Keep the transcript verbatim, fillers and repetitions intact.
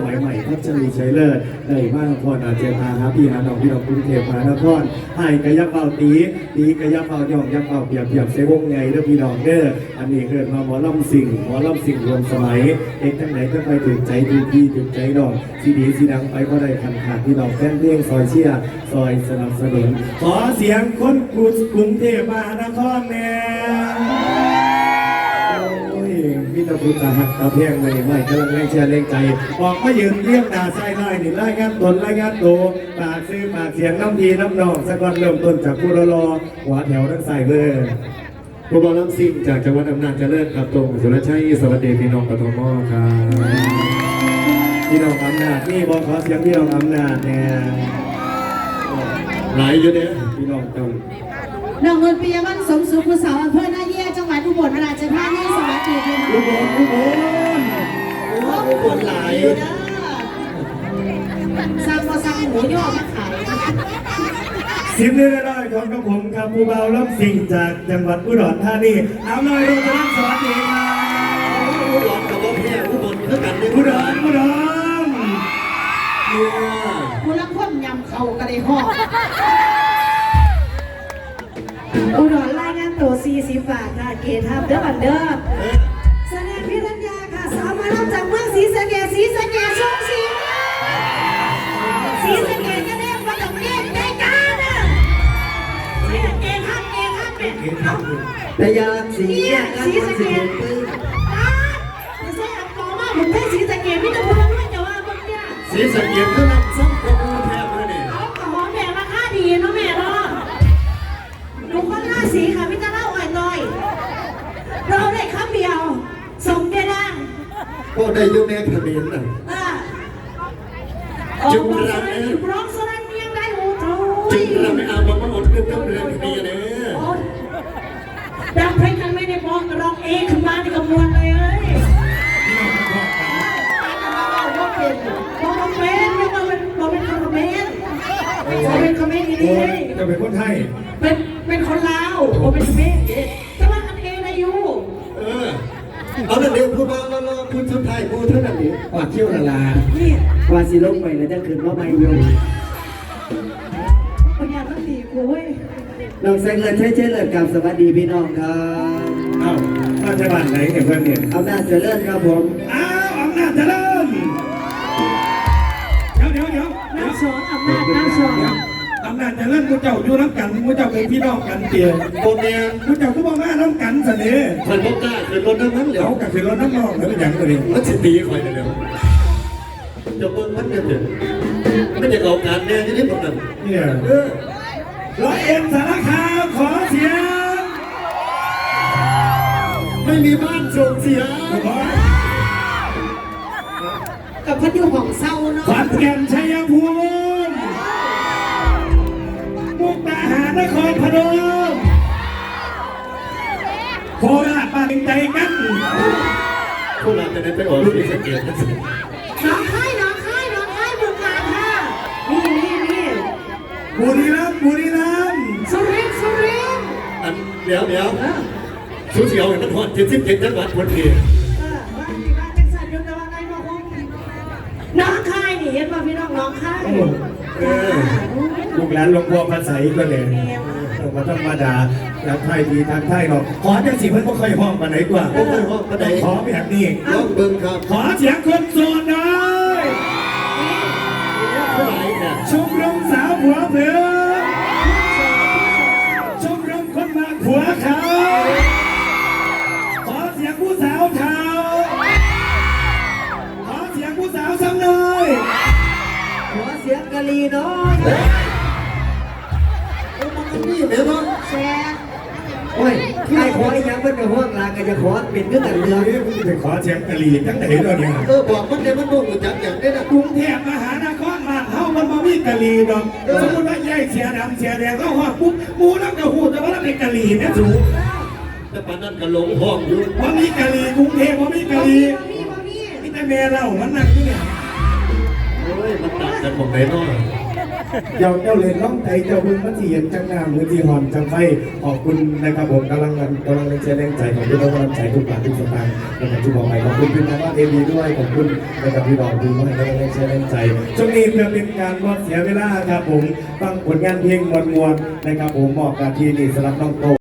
มัยใหม่พัชรีชัยเลิศได้มานครอาเจพาหาพี่หาน้องพี่น้องกรุงเทพมหานครให้กระยับเป่าตีตีกระยับเป่าย่องยับเป่าเปียบเปียบเสวงไงเด้อพี่น้องเด้ออันนี้เกิดมาหมอลำสิ่งหมอลำสิ่งรวมสมัยเอกทั้งไหนก็ไปถึงใจถึงพี่ถึงใจน้องสีดีสีดังไปก็ได้ขันขาดพี่น้องแฟนเพลงซอยเชียร์ซอยสนับสนุนขอเสียงคนกรุงเทพมหานครแน่พี่ตะพุตาหักตะเพียงเลยไม่กำลังแรงเชียร์แรงใจออกมายืนเรียกด่าใส่ไล่นี่ไล่งานตนไล่งานโตปากซื้อปากเสียงน้ำดีน้ำนองสักวันเริ่มต้นจากผู้รอรอหัวแถวทั้งใส่เลยผู้บอลน้ำซิ่งจากจังหวัดอำนาจเจริญครับตรงสุรชัยสวัสดีพี่น้องปฐมครับพี่น้องอำนาจนี่บอขอเสียงพี่น้องอำนาจเนี่ยหลายอยู่เนี่ยพี่น้องตรงน้องเงินปียมันสมสุขผู้สาวอำเภอนาเยี่ยจังหวัดอุบลราชธานีสวัสดีค่ะอุบลอุบลอุบลหลายอยู่นะสร้างพอสร้างหมูย่อมาขายสิบเรื่องได้ของกระผมครับผู้เบาล้ำสิ่งจากจังหวัดอุดรธานีเอาหน่อยดูกันสวัสดีครับอุดรกับบ่แพ้อุบลเท่ากันเลยอุดรอุดรเนี่ยผู้รักคนยำเขากระไดห้องอุดรรายงานตัวสี่สิบบาทค่ะเกทับเด้อบันเด้อแสดงพิรัญญาค่ะสาวมารับจากเมืองศรีสะเกษศรีสะเกษช่องสีศรีสะเกษก็ได้มาจากเมืองในกาญนะศรีสะเกษฮักเกฮักเป็ดแต่ยาสีเนี่ยศรีสะเกษไม่ใช่อักกอมากผมได้ศรีสะเกษพี่ตะพูนด้วยแต่ว่าพวกเนี่ยศรีสะเกษก็รับซ้ำกับกูแทบเลยเนี่ยเอากระหอมแม่ราคาดีเนาะแม่เนาะดูคนหน้าสีค่ะพี่จะเล่าอ่อยหน่อยเราได้คำเดียวส่งได้ดังก็ได้ยุ่งแม่ขมิ้นน่ะจุดรักจุดร้องสลัดเมียงได้โอ้โหจุดรักไม่เอาบอกว่าอดเรื่องกับเรื่องขมิ้นเนี่ยดังเพลงกันไม่ได้บอกร้องเองขึ้นมาในกระมวลเลยเอ้ยบอกเป็นบอกเป็นบอกเป็นบอกเป็นคอมเมนต์บอกเป็นคอมเมนต์ดีจะเป็นคนไทยเป็นเป็นคนลาวบอกเป็นคอมเมนต์จะว่ากันเองนะยูเออเอาแต่เดี๋ยวพูดมาแล้วพูดสุดท้ายพูดเท่านั้นเองว่าเที่ยวละลาว่าสิลงไปแล้วจะขึ้นว่าไม่ยงปัญญาต้องดีกูเว้ยน้องแสงเลิศใช้เจริญกับสวัสดีพี่น้องครับเอ้ามาจากบ้านไหนเนี่ยเพื่อนเนี่ยอำนาจเจริญครับผมอ้าวอำนาจเจริญเดี๋ยวเดี๋ยวเดี๋ยวน้ำสอนอำนาจน้ำสอนอำนาจเจริญกูเจ้าอยู่น้ำกันกูเจ้าเป็นพี่น้องกันเตี๋ยโบเนียกูเจ้าก็บอกว่าน้ำกันเสน่ห์คอยพบกล้าเคยรถน้ำมันเหลวเขากับคือรถน้ำนองแล้วเป็นอย่างไรมันจะตีคอยเร็วจะเบิ้งมันเนี่ยเดี๋ยวมันจะเอาการแน่ที่นี่หมดเลยเนี่ยร้อยเอ็ดสารคามขอเสียงไม่มีบ้านส่งเสียงกับพัดอยู่ของเศร้าเนาะขอนแก่นชัยภูมิมุกดาหารนครพนมโคราชบ้านใจกันโคราชจะได้ไปออกลูกสเกตน้องค่ายน้องค่ายน้องค่ายบุกการค่ะนี่นี่นี่บุรีรัมย์บุรีรัมย์สุรินทร์สุรินทร์อันเดี๋ยวเดี๋ยวสูเสียวเห็นมันหอดเจ็ดสิบเจ็ดจังหวัดคนเดียวเออว่าที่บ้านจังสันยุทธวัฒน์ได้บอกว่าน้องค่ายนี่เห็นว่าพี่น้องน้องค่ายลูกหลานหลวงพ่อภาษาอีกก็เลยมาธรรมดาทางไทยดีทางไทยเนาะขอจังสิเพื่อนก็ค่อยห้องมาไหนกว่าก็ค่อยห้องมาไหนขอแบบนี้ร้องเบิ้งครับขอเสียงคนโสดหน่อยชมรมสาวหัวเผือชมรมคนมาหัวเขาขอเสียงผู้สาวเทาขอเสียงผู้สาวซ้ำหน่อยขอเสียงกะลีน้อยนี่เดี๋ยวน้องแซ่โอ้ยใครขออีกอย่างมันจะห้องลาก็จะขอเป็นเรื่องแต่เรื่องนี้มึงจะขอเสียงกะลีตั้งแต่เราเนี่ยเออบอกมันเนี่ยมันโดนจับอย่างนี้นะกรุงเทพมหานครบ้านเฮามันมามีกะลีดอกสมมติว่าแยกเสียดำเสียแดงก็ห้องปุ๊บมูน้ำกระหูแต่ว่าเราเป็นกะลีเนี่ยสูงแต่ปานนั้นก็หลงห้องอยู่ว่ามีกะลีกรุงเทพว่ามีกะลีมีแต่แม่เรามันนั่งที่เนี่ยโอ้ยมันต่างกันหมดเลยเนาะเจ้าเจ้าเล่นน้องใจเจ้าบึงมัธยมจังงามมือที่หอนจังไฟขอบคุณนะครับผมกำลังกำลังเชียร์แรงใจของพี่น้องกำลังใจทุกบาททุกสตางค์นะครับที่บอกไปขอบคุณพี่น้องว่าเอวีด้วยขอบคุณนะครับพี่น้องที่ให้กำลังเชียร์แรงใจช่วงนี้เพื่อเป็นการลดเสียเวลาครับผมฟังผลงานเพลงมวลๆนะครับผมมอบการที่นี่สำหรับน้องโต